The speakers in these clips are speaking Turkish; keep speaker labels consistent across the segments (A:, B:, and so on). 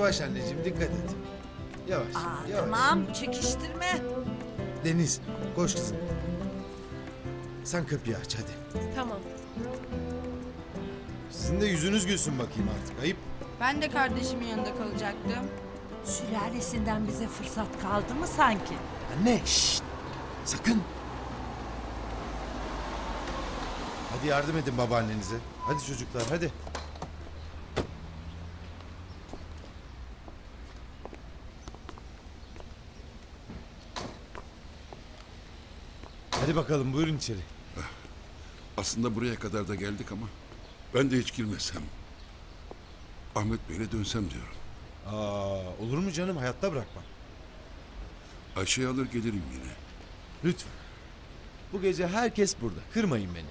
A: Yavaş anneciğim, dikkat et. Yavaş, yavaş.
B: Tamam, çekiştirme.
A: Deniz, koş kızım. Sen kapıyı aç hadi.
C: Tamam.
A: Sizin de yüzünüz gülsün bakayım artık. Ayıp.
D: Ben de kardeşimin yanında kalacaktım.
B: Sülalesinden bize fırsat kaldı mı sanki?
A: Anne, şşt. Sakın. Hadi yardım edin babaannenize. Hadi çocuklar, hadi. Hadi bakalım, buyurun içeri.
E: Aslında buraya kadar da geldik ama ben de hiç girmesem. Ahmet Bey'le dönsem diyorum.
A: Olur mu canım, hayatta bırakmam.
E: Ayşe'yi alır gelirim yine.
A: Lütfen. Bu gece herkes burada. Kırmayın beni.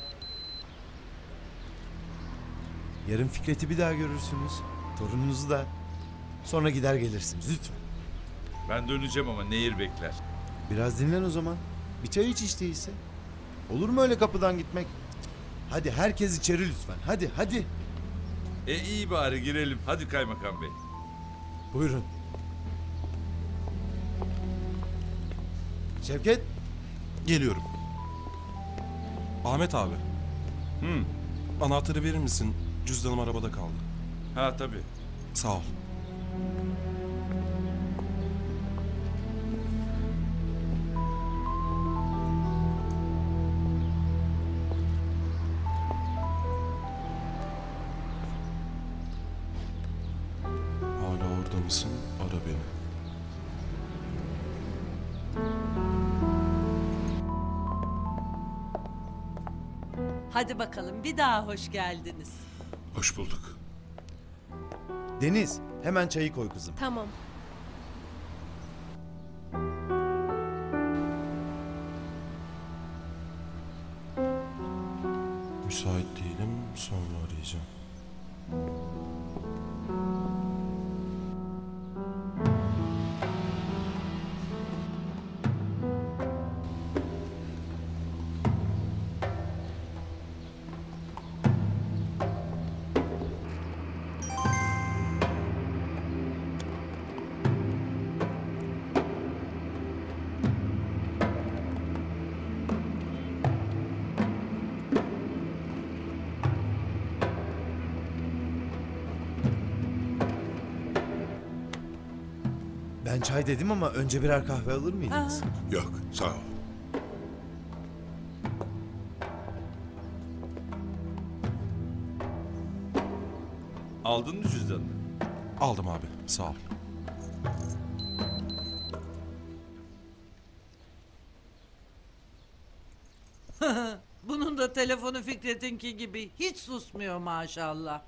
A: Yarın Fikret'i bir daha görürsünüz. Torununuzu da. Sonra gider gelirsiniz lütfen.
F: Ben döneceğim ama Nehir bekler.
A: Biraz dinlen o zaman. Bir çay iç hiç değilse. Olur mu öyle kapıdan gitmek? Hadi herkes içeri lütfen. Hadi hadi.
F: İyi bari girelim. Hadi kaymakam bey.
A: Buyurun. Şevket.
G: Geliyorum. Ahmet abi. Anahtarı verir misin? Cüzdanım arabada kaldı.
F: Ha tabii.
G: Sağ ol. Hala orada mısın? Ara beni.
B: Hadi bakalım, bir daha hoş geldiniz.
E: Hoş bulduk.
A: Deniz, hemen çayı koy kızım.
C: Tamam.
G: Müsait değilim. Sonra arayacağım.
A: Ben çay dedim ama önce birer kahve alır mıydınız?
E: Yok, sağ ol.
F: Aldın mı cüzdanını?
G: Aldım abi. Sağ ol.
B: Bunun da telefonu Fikret'inki gibi hiç susmuyor maşallah.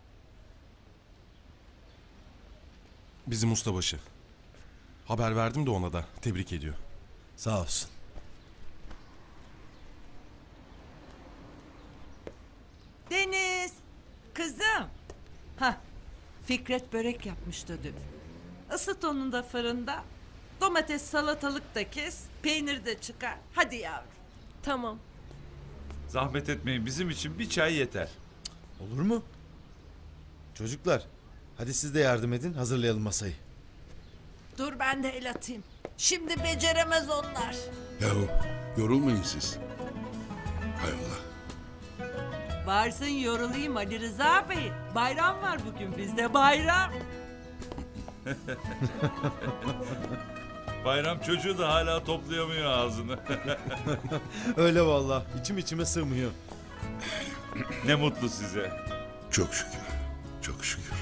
G: Bizim ustabaşı. Haber verdim de ona da. Tebrik ediyor.
A: Sağ olsun.
B: Deniz, kızım. Hah, Fikret börek yapmıştı dün. Isıt onu da fırında. Domates, salatalık da kes, peynir de çıkar. Hadi yavrum.
C: Tamam.
F: Zahmet etmeyin, bizim için bir çay yeter.
A: Olur mu? Çocuklar, hadi siz de yardım edin, hazırlayalım masayı.
B: Dur ben de el atayım. Şimdi beceremez onlar.
E: Yahu yorulmayın siz. Hay Allah.
B: Varsın yorulayım Ali Rıza Bey. Bayram var bugün bizde, bayram.
F: Bayram çocuğu da hala toplayamıyor ağzını.
A: Öyle vallahi, içim içime sığmıyor.
F: Ne mutlu size.
E: Çok şükür. Çok şükür.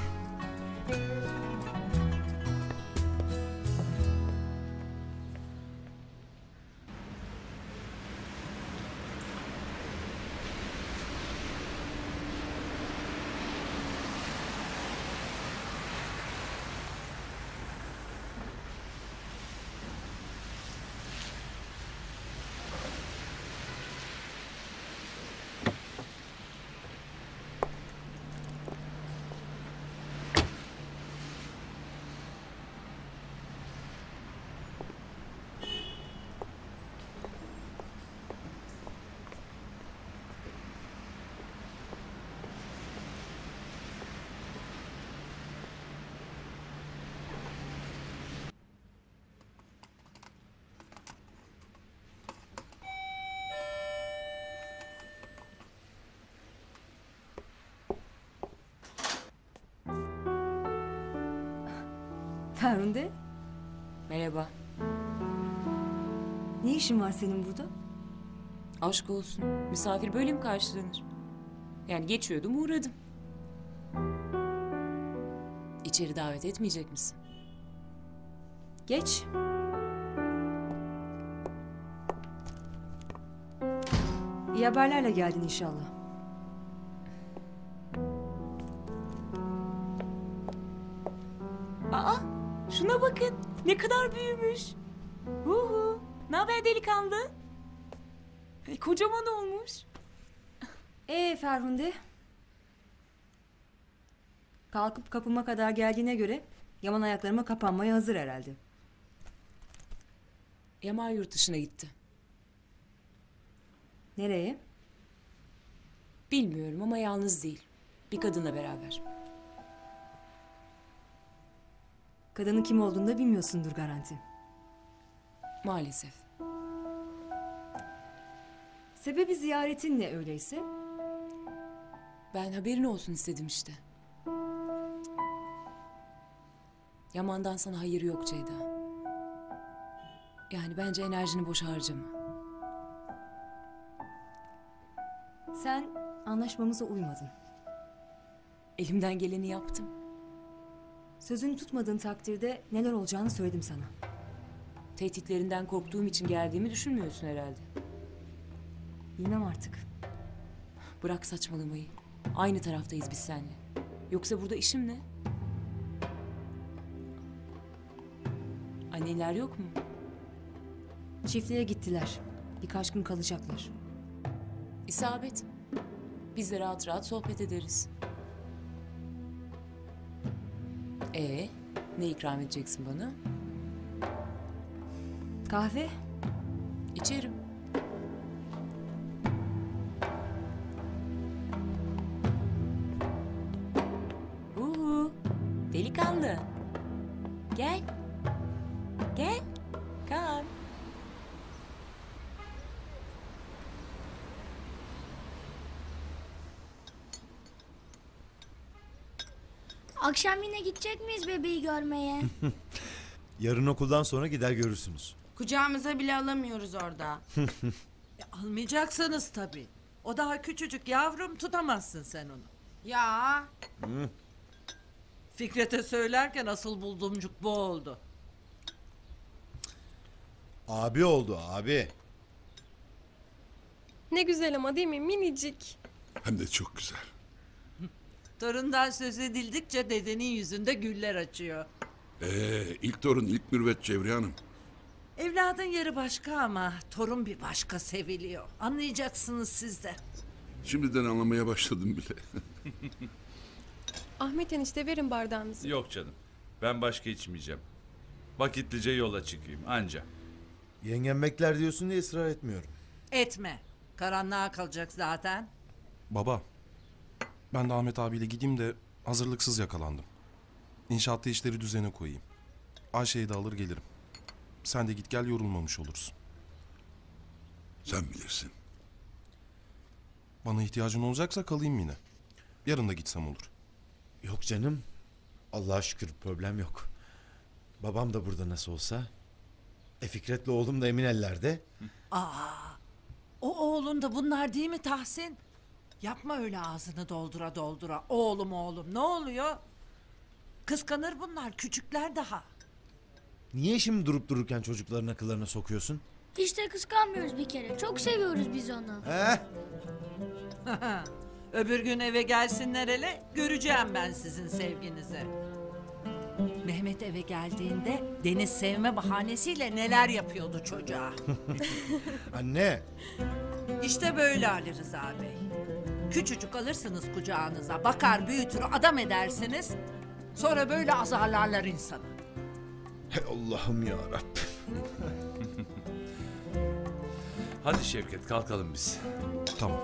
C: Ferhunde.
H: Merhaba.
C: Ne işin var senin burada?
H: Aşk olsun. Misafir böyle mi karşılanır? Yani geçiyordum, uğradım. İçeri davet etmeyecek misin?
C: Geç. İyi haberlerle geldin inşallah.
H: Aa, şuna bakın. Ne kadar büyümüş. Huhu. Ne haber delikanlı? Kocaman olmuş.
C: Ferhunde. Kalkıp kapıma kadar geldiğine göre Yaman ayaklarıma kapanmaya hazır herhalde.
H: Yaman yurt dışına gitti.
C: Nereye?
H: Bilmiyorum ama yalnız değil. Bir kadınla beraber.
C: Kadının kim olduğunu da bilmiyorsundur garanti.
H: Maalesef.
C: Sebebi ziyaretin ne öyleyse?
H: Ben haberin olsun istedim işte. Yaman'dan sana hayır yok Ceyda. Yani bence enerjini boş harcama.
C: Sen anlaşmamıza uymadın.
H: Elimden geleni yaptım.
C: Sözünü tutmadığın takdirde neler olacağını söyledim sana.
H: Tehditlerinden korktuğum için geldiğimi düşünmüyorsun herhalde.
C: Bilmem artık.
H: Bırak saçmalamayı. Aynı taraftayız biz seninle. Yoksa burada işim ne? Anneler yok mu?
C: Çiftliğe gittiler. Birkaç gün kalacaklar.
H: İsabet. Biz de rahat rahat sohbet ederiz. Ne ikram edeceksin bana?
C: Kahve?
H: İçerim. Delikanlı. Gel. Gel. Kalk.
I: Akşam yine gidecek miyiz bebeği görmeye?
A: Yarın okuldan sonra gider görürsünüz.
D: Kucağımıza bile alamıyoruz orada.
B: Almayacaksınız tabii. O daha küçücük yavrum, tutamazsın sen onu.
D: Ya
B: Fikret'e söylerken asıl buldumcuk bu oldu.
A: Abi oldu abi.
J: Ne güzel ama değil mi? Minicik.
E: Hem de çok güzel.
B: Torundan söz edildikçe dedenin yüzünde güller açıyor.
E: İlk torun ilk mürvet Cevriye Hanım.
B: Evladın yeri başka ama torun bir başka seviliyor. Anlayacaksınız siz de.
E: Şimdiden anlamaya başladım bile.
J: Ahmet enişte verin bardağınızı.
F: Yok canım. Ben başka içmeyeceğim. Vakitlice yola çıkayım anca.
A: Yengem bekler diyorsun diye ısrar etmiyorum.
B: Etme. Karanlığa kalacak zaten.
G: Baba, ben de Ahmet abiyle gideyim de hazırlıksız yakalandım. İnşaatta işleri düzene koyayım. Ayşe'yi de alır gelirim. Sen de git gel, yorulmamış olursun.
E: Sen bilirsin.
G: Bana ihtiyacın olacaksa kalayım yine. Yarın da gitsem olur.
A: Yok canım. Allah'a şükür problem yok. Babam da burada nasıl olsa. Fikret'le oğlum da emin ellerde.
B: O oğlun da bunlar değil mi Tahsin? Yapma öyle ağzını doldura doldura. Oğlum ne oluyor? Kıskanır bunlar, küçükler daha.
A: Niye şimdi durup dururken çocukların akıllarına sokuyorsun?
I: Hiç de kıskanmıyoruz bir kere. Çok seviyoruz biz onu.
B: Öbür gün eve gelsinler hele, göreceğim ben sizin sevginizi. Mehmet eve geldiğinde Deniz sevme bahanesiyle neler yapıyordu çocuğa.
A: Anne.
B: İşte böyle Ali Rıza Bey. Küçücük alırsınız kucağınıza, bakar büyütür adam edersiniz. Sonra böyle azarlarlar insanı.
A: Hey Allah'ım ya Rabbim.
F: Hadi Şevket kalkalım biz.
G: Tamam.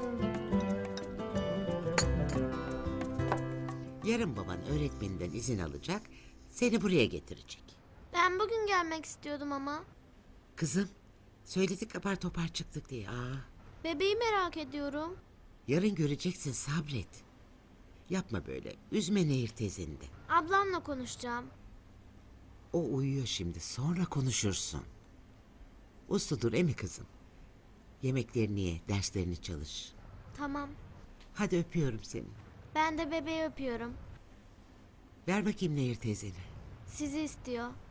K: Yarın baban öğretmeninden izin alacak, seni buraya getirecek.
I: Ben bugün gelmek istiyordum ama.
K: Kızım, söyledik apar topar çıktık diye.
I: Bebeği merak ediyorum.
K: Yarın göreceksin, sabret. Yapma böyle, üzme Nehir teyzeni de.
I: Ablamla konuşacağım.
K: O uyuyor şimdi. Sonra konuşursun. Usludur emi kızım. Yemeklerini ye, derslerini çalış.
I: Tamam.
K: Hadi öpüyorum seni.
I: Ben de bebeği öpüyorum.
K: Ver bakayım Nehir teyzeni.
I: Sizi istiyor.